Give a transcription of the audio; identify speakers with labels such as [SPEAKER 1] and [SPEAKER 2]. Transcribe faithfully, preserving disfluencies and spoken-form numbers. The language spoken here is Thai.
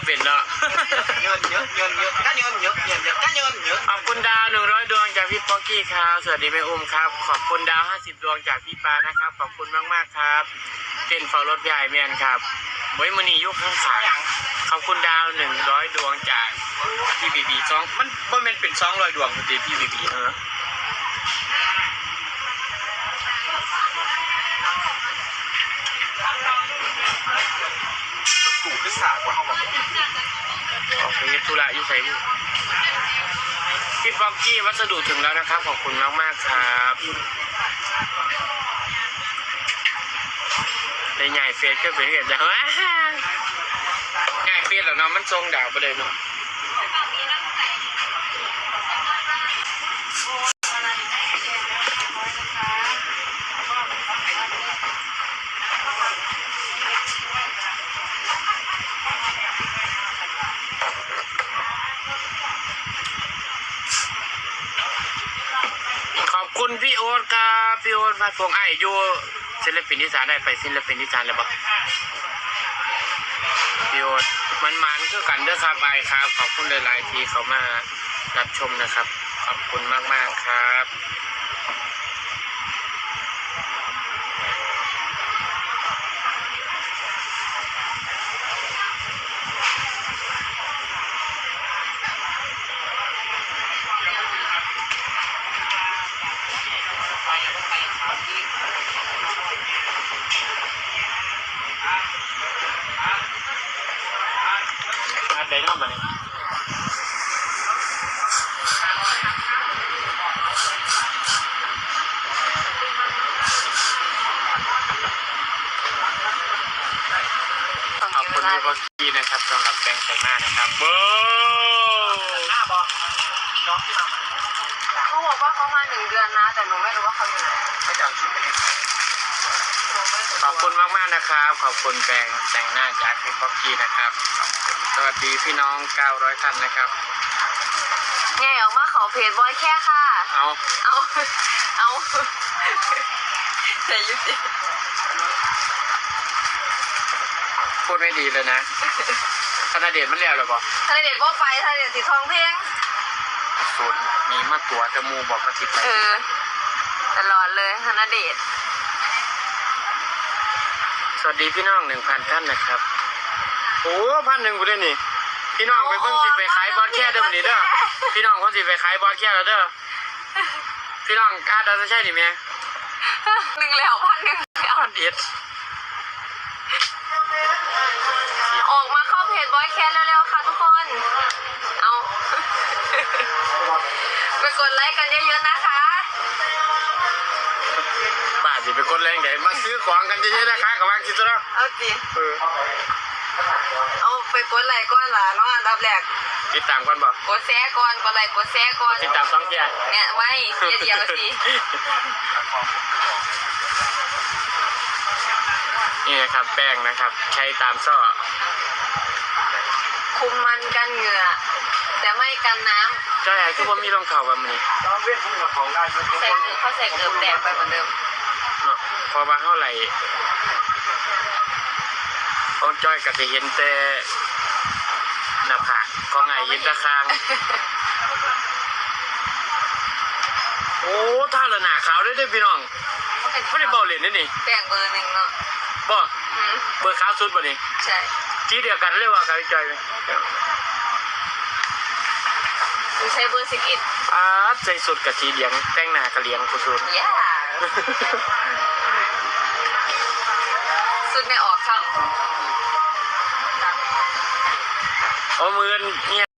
[SPEAKER 1] เป็นเนาะ
[SPEAKER 2] เงินเยอะเงินเยอะก็เงินเยอะเงินเยอะก็เงินเยอะ
[SPEAKER 1] ขอบคุณดาวหนึ่งร้อยดวงจากพี่ป๊อกกี้ครับสวัสดีแม่อุ้มครับขอบคุณดาวห้าสิบดวงจากพี่ปานะครับขอบคุณมากๆครับเป็นฟอลรถใหญ่เมียนครับไว้มือนียุคข้างขาขอบคุณดาวหนึ่งร้อยดวงจากพี่บีบีสองมันบ่แม่นเป็นสองร้อยดวงพอดีพี่บีบีเออ
[SPEAKER 2] สูงขึ้นสากว่าเขาบอก
[SPEAKER 1] ออกไปธุระยุ่ใส่บุพี่ป๊อกกี้วัสดุถึงแล้วนะครับขอบคุณมากๆครับในใหญ่เฟสก็เป็นเห็นจะว้าง่ายเฟสแล้วเนาะมันทรงดาวไปเลยเนาะขอบคุณพี่โอ๊ตครับพี่โอ๊ตมาพวงไอ้ยูศิลปินที่สานได้ไปศิลปินที่สานแล้วปะพี่โอ๊ตมันมันคือกันเด้อครับไอ้ครับขอบคุณหลายๆทีเขามารับชมนะครับขอบคุณมากๆครับอัดได้นอกมาเนี่ยขอบคุณพี่ป๊อกกี้นะครับสำหรับแปรงแต่งหน้านะครับโบ้
[SPEAKER 2] หน้าบอน้องที่มา
[SPEAKER 3] เขาบอกว่าเขามาหนึ่งเดือนนะแต่หนูไม่รู้ว่าเขาอยู่ไหน
[SPEAKER 2] ไม่จะเอาชุดไปให้ใคร
[SPEAKER 1] ขอบคุณมากๆนะครับขอบคุณแปรงแต่งหน้าจากพี่ป๊อกกี้นะครับสวัสดีพี่น้องเก้าร้อยท่านนะครับ
[SPEAKER 3] แง่ออกมาขอเพจบอยแค่ค่ะ
[SPEAKER 1] เอา
[SPEAKER 3] เอาเอาแต่ยุติ
[SPEAKER 1] พูดไม่ดีเลยนะธนาเดชมันแล้วหรือเปล่า
[SPEAKER 3] ทะเลเด็ดว่าไปทะเลเด็ดสีทองเพ่ง
[SPEAKER 1] สุดมีมาตัวจมูกบอกมาติดไป
[SPEAKER 3] เออตลอดเลยธนเดช
[SPEAKER 1] สวัสดีพี่น้องหนึ่งพันท่านนะครับโอ้พันหนึ่งกูได้นี่พี่น้องไปเพิ่งสิไปขายบอลแค่เด้อวันนี้เด้อพี่น้องเพิ่งสิไปขายบอลแค่แล้วเด้อพี่น้องกล้าเด้อจะใช่ดิแม่
[SPEAKER 3] หนึ่งแล้วพันหนึ่งแล้ว
[SPEAKER 1] พันเอ็ด
[SPEAKER 3] ออกมาเข้าเพจบอยแคสเร็วๆค่ะทุกคนเอาไปกดไลค์กันเยอะๆนะคะ
[SPEAKER 1] บ้าสิไปกดแรงใหญ่มาซื้อของกันเยอะๆนะคะกับวางคิดซะแล้ว
[SPEAKER 3] เอาจี
[SPEAKER 1] เออ
[SPEAKER 3] เอาไปกดไลค์ก่อนล่ะน้องอันดับแรก
[SPEAKER 1] ติดตามก่อนบ่
[SPEAKER 3] กดแชร์ก่อนกดไลค์กดแชร์ก่อน
[SPEAKER 1] ติดตามสองเทีย
[SPEAKER 3] เนี่ยไว้เทียเดียวสิ
[SPEAKER 1] นี่นะครับแป้งนะครับใช้ตามซ่อ
[SPEAKER 3] คุมมันกันเหงื่อแต่ไม่กันน้
[SPEAKER 1] ำใช่คือว่ามีรองเท้าแบบนี้
[SPEAKER 2] ต้องเว้นพุ่งกับของได้
[SPEAKER 3] ใส่เกลือเขาใส่เกลือแดงไปเหมือนเดิม
[SPEAKER 1] เนาะพอมาเท่าไหร่ต้องจ้อยกับจะเห็นแต่หน้าผากของไงยินตะคางโอ้ท่าละหนาขาวได้ด้วยพี่น้องไม่ได้เบาเหรียญนี่นี่
[SPEAKER 3] แบ่งเบอร์หนึ่งเนาะ
[SPEAKER 1] บ่เบอร์ขาวสุดป่ะนี่
[SPEAKER 3] ใช่
[SPEAKER 1] ที่เดียวกันเรียกว่าการใจไหม
[SPEAKER 3] ดูใช้เบอร์สิบเอ็ด
[SPEAKER 1] อ่าใจสุดกับทีเลี้ยงแต่งหน้ากระเลี้ยงกูสุด
[SPEAKER 3] ย่าสุดไม่ออกครับ
[SPEAKER 1] โอ้มือเนี่ย